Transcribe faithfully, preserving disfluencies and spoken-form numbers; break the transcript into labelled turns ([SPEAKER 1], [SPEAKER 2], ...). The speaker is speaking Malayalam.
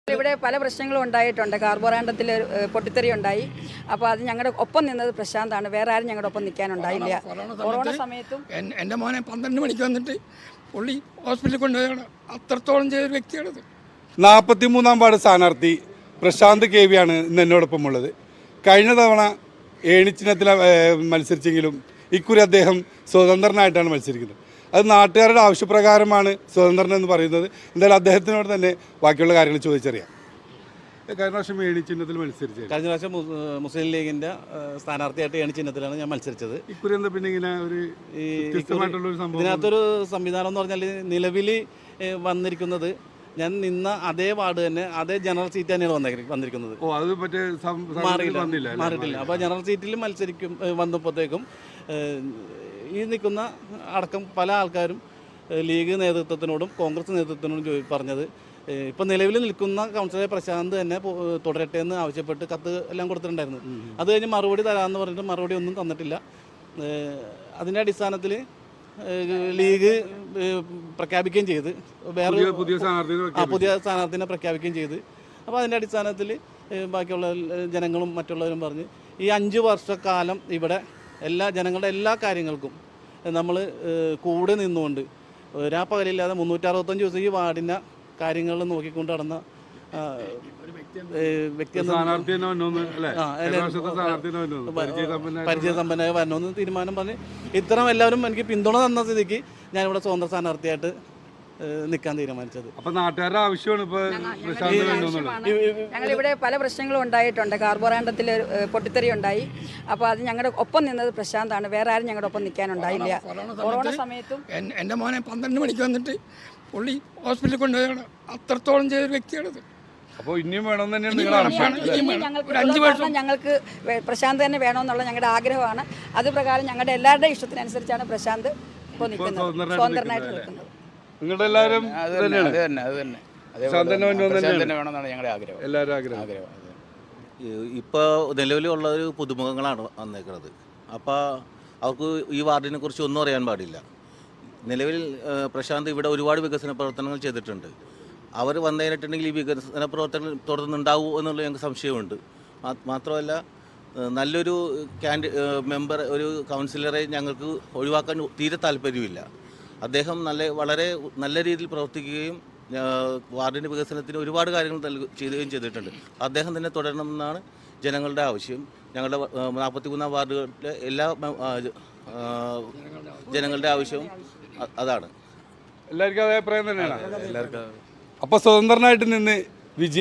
[SPEAKER 1] ഇവിടെ പല പ്രശ്നങ്ങളും ഉണ്ടായിട്ടുണ്ട്. കാർബോറാണ്ടത്തിൽ പൊട്ടിത്തെറി ഉണ്ടായി. അപ്പോൾ അത് ഞങ്ങളുടെ ഒപ്പം നിന്നത് പ്രശാന്താണ്. വേറെ ആരും ഞങ്ങളുടെ ഒപ്പം നിൽക്കാനുണ്ടായില്ല. കൊറോണ സമയത്തും
[SPEAKER 2] എൻ്റെ മോനെ പന്ത്രണ്ട് മണിക്ക് വന്നിട്ട് പുള്ളി ഹോസ്പിറ്റലിൽ കൊണ്ടുപോയാണ്. അത്രത്തോളം ചെയ്തൊരു വ്യക്തിയാണത്.
[SPEAKER 3] നാൽപ്പത്തി മൂന്നാം വാർഡ് സ്ഥാനാർത്ഥി പ്രശാന്ത് കെ വിയാണ് ഇന്ന് എന്നോടൊപ്പം ഉള്ളത്. കഴിഞ്ഞ തവണ ഏണിച്ചിഹ്നത്തിൽ മത്സരിച്ചെങ്കിലും ഇക്കുറി അദ്ദേഹം സ്വതന്ത്രനായിട്ടാണ് മത്സരിക്കുന്നത്. അത് നാട്ടുകാരുടെ ആവശ്യപ്രകാരമാണ് സ്വതന്ത്രൻ എന്ന് പറയുന്നത്. എന്തായാലും അദ്ദേഹത്തിനോട് തന്നെ ബാക്കിയുള്ള കാര്യങ്ങൾ ചോദിച്ചറിയാം. കഴിഞ്ഞ പ്രാവശ്യം ഏണിച്ചിഹ്നത്തിൽ മത്സരിച്ചത്
[SPEAKER 4] കഴിഞ്ഞ പ്രാവശ്യം മുസ്ലിം ലീഗിൻ്റെ സ്ഥാനാർത്ഥിയായിട്ട് ഏണിച്ചിഹ്നത്തിലാണ് ഞാൻ മത്സരിച്ചത്.
[SPEAKER 3] ഇക്കുറി എന്താ പിന്നെ ഇങ്ങനെ ഒരു വ്യത്യസ്തമായിട്ടുള്ളൊരു സംഭവം?
[SPEAKER 4] ഇതിനകത്തൊരു സംവിധാനം എന്ന് പറഞ്ഞാൽ നിലവിൽ വന്നിരിക്കുന്നത് ഞാൻ നിന്ന അതേ വാർഡ് തന്നെ അതേ ജനറൽ സീറ്റ് തന്നെയാണ് വന്നേ വന്നിരിക്കുന്നത്.
[SPEAKER 3] ഓ അത് മറ്റേ
[SPEAKER 4] മാറിയില്ല മാറിയിട്ടില്ല അപ്പോൾ ജനറൽ സീറ്റിൽ മത്സരിക്കും വന്നപ്പോഴത്തേക്കും ഈ നിൽക്കുന്ന അടക്കം പല ആൾക്കാരും ലീഗ് നേതൃത്വത്തിനോടും കോൺഗ്രസ് നേതൃത്വത്തിനോടും ചോദി പറഞ്ഞത് ഇപ്പം നിലവിൽ നിൽക്കുന്ന കൗൺസിലർ പ്രശാന്ത് തന്നെ തുടരട്ടെ എന്ന് ആവശ്യപ്പെട്ട് കത്ത് എല്ലാം കൊടുത്തിട്ടുണ്ടായിരുന്നു. അത് കഴിഞ്ഞ് മറുപടി തരാമെന്ന് പറഞ്ഞിട്ട് മറുപടി ഒന്നും തന്നിട്ടില്ല. അതിൻ്റെ അടിസ്ഥാനത്തിൽ ലീഗ് പ്രഖ്യാപിക്കുകയും ചെയ്ത് വേറെ ആ പുതിയ സ്ഥാനാർത്ഥിനെ പ്രഖ്യാപിക്കുകയും ചെയ്ത് അപ്പോൾ അതിൻ്റെ അടിസ്ഥാനത്തിൽ ബാക്കിയുള്ള ജനങ്ങളും മറ്റുള്ളവരും പറഞ്ഞ് ഈ അഞ്ച് വർഷക്കാലം ഇവിടെ എല്ലാ ജനങ്ങളുടെ എല്ലാ കാര്യങ്ങൾക്കും നമ്മൾ കൂടെ നിന്നുകൊണ്ട് രാപ്പകലില്ലാതെ മുന്നൂറ്ററുപത്തഞ്ച് ദിവസം ഈ വാർഡിൻ്റെ കാര്യങ്ങൾ നോക്കിക്കൊണ്ട് നടന്ന വ്യക്തി പരിചയസമ്പന്നമായ വരണമെന്ന് തീരുമാനം പറഞ്ഞ് ഇത്തരം എല്ലാവരും എനിക്ക് പിന്തുണ തന്ന സ്ഥിതിക്ക് ഞാനിവിടെ സ്വതന്ത്ര സ്ഥാനാർത്ഥിയായിട്ട് നിൽക്കാൻ തീരുമാനിച്ചത്.
[SPEAKER 3] അപ്പോൾ നാട്ടുകാരുടെ ആവശ്യമാണ് ഇപ്പോൾ
[SPEAKER 1] ഞങ്ങളിവിടെ പല പ്രശ്നങ്ങളും ഉണ്ടായിട്ടുണ്ട്. കാർബോറാണ്ടത്തിൽ പൊട്ടിത്തെറി ഉണ്ടായി. അപ്പോൾ അത് ഞങ്ങളുടെ ഒപ്പം നിന്നത് പ്രശാന്താണ്. വേറെ ആരും ഞങ്ങളുടെ ഒപ്പം നിൽക്കാനുണ്ടായില്ല. കൊറോണ സമയത്തും
[SPEAKER 2] എൻ്റെ മോനെ പന്ത്രണ്ട് മണിക്ക് വന്നിട്ട് പുള്ളി ഹോസ്പിറ്റലിൽ കൊണ്ടുപോയാണ്. അത്രത്തോളം ചെയ്തൊരു വ്യക്തിയാണത്.
[SPEAKER 3] അപ്പോൾ ഇനിയും വേണമെന്ന് തന്നെയാണ്
[SPEAKER 1] ഞങ്ങൾക്ക് പ്രശാന്ത് തന്നെ വേണമെന്നുള്ള ഞങ്ങളുടെ ആഗ്രഹമാണ്. അത് പ്രകാരം ഞങ്ങളുടെ എല്ലാവരുടെയും ഇഷ്ടത്തിനനുസരിച്ചാണ് പ്രശാന്ത് ഇപ്പോൾ നിൽക്കുന്നത്, സ്വതന്ത്രനായിട്ട് നിൽക്കുന്നത്.
[SPEAKER 3] നിങ്ങളുടെ എല്ലാവരും
[SPEAKER 5] ഇപ്പോൾ നിലവിലുള്ള ഒരു പുതുമുഖങ്ങളാണ് വന്നേക്കുന്നത്. അപ്പോൾ അവർക്ക് ഈ വാർഡിനെ കുറിച്ച് ഒന്നും അറിയാൻ പാടില്ല. നിലവിൽ പ്രശാന്ത് ഇവിടെ ഒരുപാട് വികസന പ്രവർത്തനങ്ങൾ ചെയ്തിട്ടുണ്ട്. അവർ വന്നു കഴിഞ്ഞിട്ടുണ്ടെങ്കിൽ ഈ വികസന പ്രവർത്തനങ്ങൾ തുടർന്നുണ്ടാവൂ എന്നുള്ള ഞങ്ങൾക്ക് സംശയമുണ്ട്. മാത്രമല്ല നല്ലൊരു ക്യാൻഡി മെമ്പർ ഒരു കൗൺസിലറെ ഞങ്ങൾക്ക് ഒഴിവാക്കാൻ തീരെ താല്പര്യമില്ല. അദ്ദേഹം നല്ല വളരെ നല്ല രീതിയിൽ പ്രവർത്തിക്കുകയും വാർഡിൻ്റെ വികസനത്തിന് ഒരുപാട് കാര്യങ്ങൾ ചെയ്യുകയും ചെയ്തിട്ടുണ്ട്. അദ്ദേഹം തന്നെ തുടരണമെന്നാണ് ജനങ്ങളുടെ ആവശ്യം. ഞങ്ങളുടെ നാൽപ്പത്തി മൂന്നാം വാർഡുകളിലെ എല്ലാ ജനങ്ങളുടെ ആവശ്യവും അതാണ്.
[SPEAKER 3] എല്ലാവർക്കും അഭിപ്രായം തന്നെയാണ്. എല്ലാവർക്കും അപ്പോൾ സ്വതന്ത്രനായിട്ട് നിന്ന്